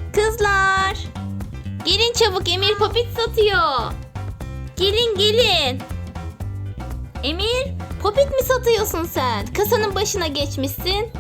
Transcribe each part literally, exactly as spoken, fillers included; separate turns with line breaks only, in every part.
Kızlar. Gelin çabuk, Emir popit satıyor. Gelin gelin. Emir, popit mi satıyorsun sen? Kasanın başına geçmişsin.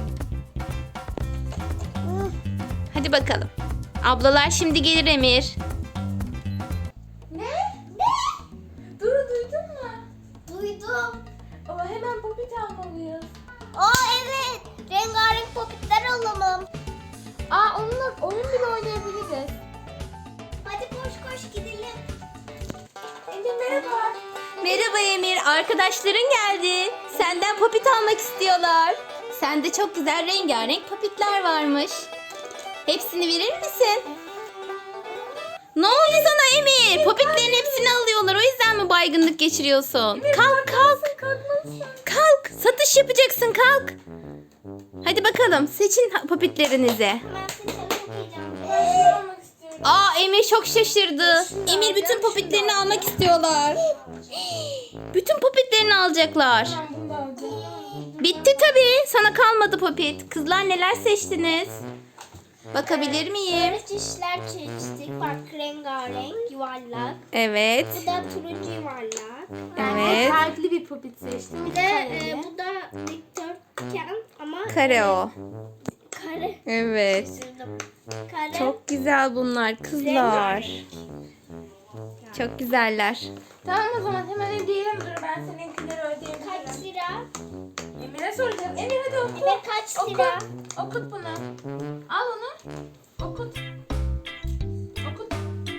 Hadi bakalım. Ablalar şimdi gelir Emir.
Ne? Ne? Duru duydun mu?
Duydum.
Ama hemen popit almalıyız.
Aa evet. Rengarenk popitler alalım.
Aa onunla oyun bile oynayabiliriz.
Hadi koş koş gidelim.
Emir merhaba.
Merhaba Emir, arkadaşların geldi. Senden popit almak istiyorlar. Sende çok güzel rengarenk popitler varmış. Hepsini verir misin? Ne oldu sana Emir? Popitlerin hepsini alıyorlar. O yüzden mi baygınlık geçiriyorsun? Kalk kalk.
Kalkmalısın.
Kalk. Satış yapacaksın, kalk. Hadi bakalım, seçin popitlerinizi.
Ben seni okuyacağım.
Ben şunu almak istiyorum.
Aa, Emir çok şaşırdı. Emir bütün popitlerini almak istiyorlar. Bütün popitlerini alacaklar.
Ben bunu da alacağım.
Bitti tabii. Sana kalmadı popit. Kızlar neler seçtiniz? Bakabilir miyim?
Böyle çeşitler seçtik. Bak rengarenk, yuvarlak.
Evet.
Bu da turuncu yuvarlak.
Evet.
Farklı bir popit seçtim.
Bir de e, bu da dikdörtgen ama
Kare o.
kare.
Evet.
Şaşırdım. Kare.
Çok güzel bunlar kızlar. Çok güzeller.
Tamam o zaman hemen ödeyelim. Dur ben seninkileri ödeyeyim.
Kaç lira?
Emir'e soracağım. Emir hadi oku.
Emir kaç
Oku.
lira?
Okut bunu. Al onu. Okut. Okut.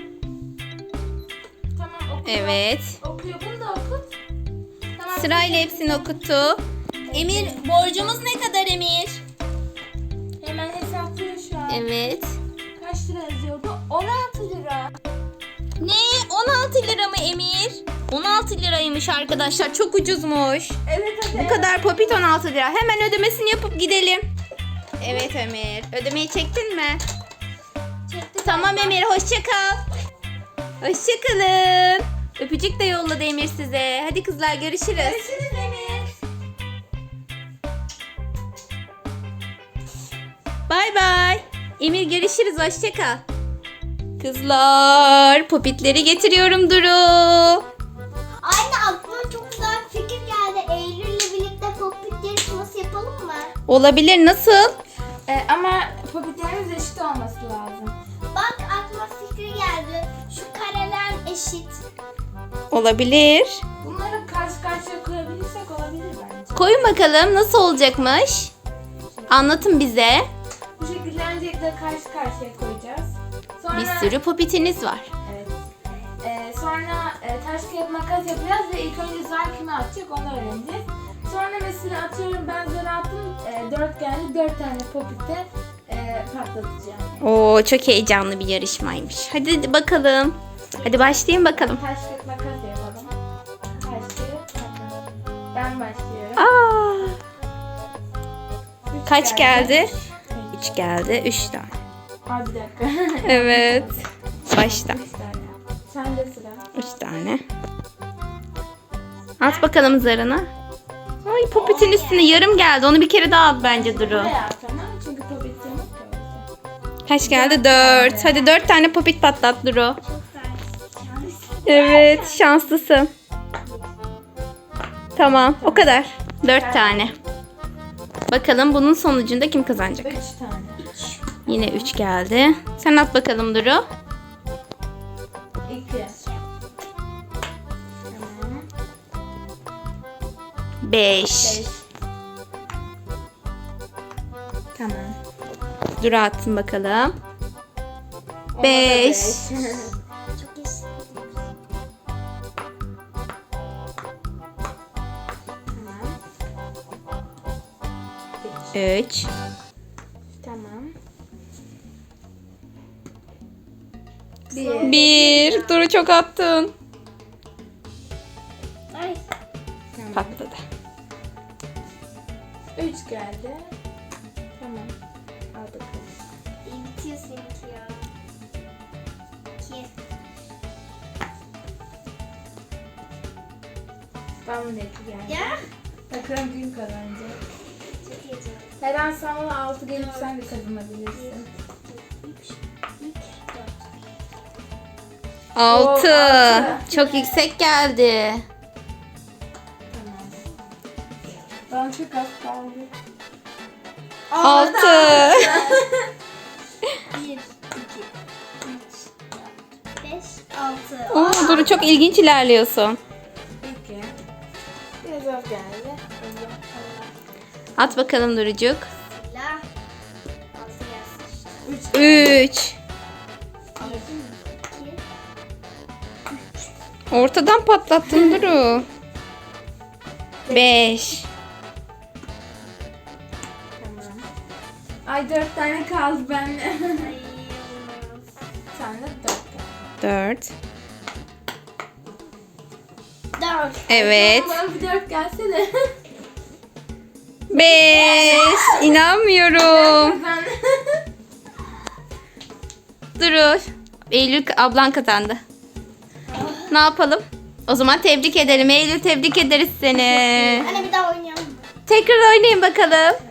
Tamam okuyor.
Evet.
Okuyor. Bunu da okut. Tamam.
Sırayla hepsini okuttu. Emir, borcumuz ne kadar Emir?
Hemen hesaplıyor şu an.
Evet.
Kaç lira yazıyor bu? on altı lira.
Ne? on altı lira mı Emir? on altı liraymış arkadaşlar. Çok ucuzmuş.
Evet hadi.
Bu kadar popit on altı lira. Hemen ödemesini yapıp gidelim. Evet Emir. Ödemeyi çektin mi?
Çektim.
Tamam Emir. Hoşça kal. Hoşça kalın. Öpücük de yolladı Emir size. Hadi kızlar görüşürüz.
Görüşürüz Emir.
Bay bay. Emir görüşürüz. Hoşça kal. Kızlar, popitleri getiriyorum Duru.
Anne aklıma çok güzel bir fikir geldi. Eylül'le birlikte popit yarışması yapalım mı?
Olabilir. Nasıl?
Ee, ama popitlerimiz eşit olması lazım.
Bak aklıma fikir geldi. Şu kareler eşit.
Olabilir.
Bunları karşı karşıya koyabilirsek olabilir bence.
Koyun bakalım nasıl olacakmış. Anlatın bize.
Bu şekilde öncelikle karşı karşıya koyacağız. Sonra,
Bir sürü popitiniz var.
Evet. Ee, sonra e, taş kağıt makas yapacağız ve ilk önce zar kime atacak onu öğreneceğiz. Sonra mesela atıyorum ben zar attım e, dört geldi dört tane popite e, patlatacağım.
Oo, çok heyecanlı bir yarışmaymış. Hadi bakalım. Hadi başlayın bakalım.
Taş kağıt makas yapalım. Taş kağıt makas. Ben başlıyorum.
Aa,
Üç
kaç geldi?
Üç.
üç geldi. üç tane.
Aa, bir dakika.
Evet. Başla.
Üç tane. Sende sıra.
üç tane. At bakalım zarını. Ay, popitin üstüne yarım geldi. Onu bir kere daha at bence Duru.
Buraya at tamam mı? Çünkü popit yok ki orada.
Kaç geldi? dört. Hadi dört tane popit patlat Duru.
Çok güzel.
Evet, şanslısın. Tamam, o kadar. dört tane. Bakalım bunun sonucunda kim kazanacak?
Üç tane.
Yine üç geldi. Sen at bakalım Duru.
İki. Tamam.
beş.
Beş. Tamam.
Duru atsın bakalım.
Ona da
Beş.
Çok eşit.
Tamam.
üç.
Tamam.
Bir.
bir. Duru çok attın.
Ay.
Tamam.
Patladı.
Üç geldi. Tamam. Al bakalım.
İyi bitiyor seninki ya. İki.
Bana da iki geldi.
Ya.
Bakalım kim kazanacak.
Çok heyecanlı.
Her an sana altı gelip sen de kazanabilirsin.
Bir, iki, üç,
Altı.
altı.
Çok yüksek geldi.
Tamam. Bana çok az kaldı.
Altı.
Bir, iki, üç, dört, beş, altı.
Oo, Duru çok ilginç ilerliyorsun.
İki. Biraz az geldi.
At bakalım Durucuk.
Bismillah. Altı gelsin işte.
Üç.
Üç.
Bir, iki,
Ortadan patlattın Duru. Beş.
Tamam. Ay dört tane kaldı bende.
ay, olmaz.
Sen de dört geldi.
Dört.
Dört.
Evet.
Bana bir dört gelse de.
Beş. İnanmıyorum.
Ben
Duru. Eylül ablan kazandı. Ne yapalım? O zaman tebrik edelim. Eylül tebrik ederiz seni.
Anne bir daha oynayalım mı?
Tekrar oynayın bakalım.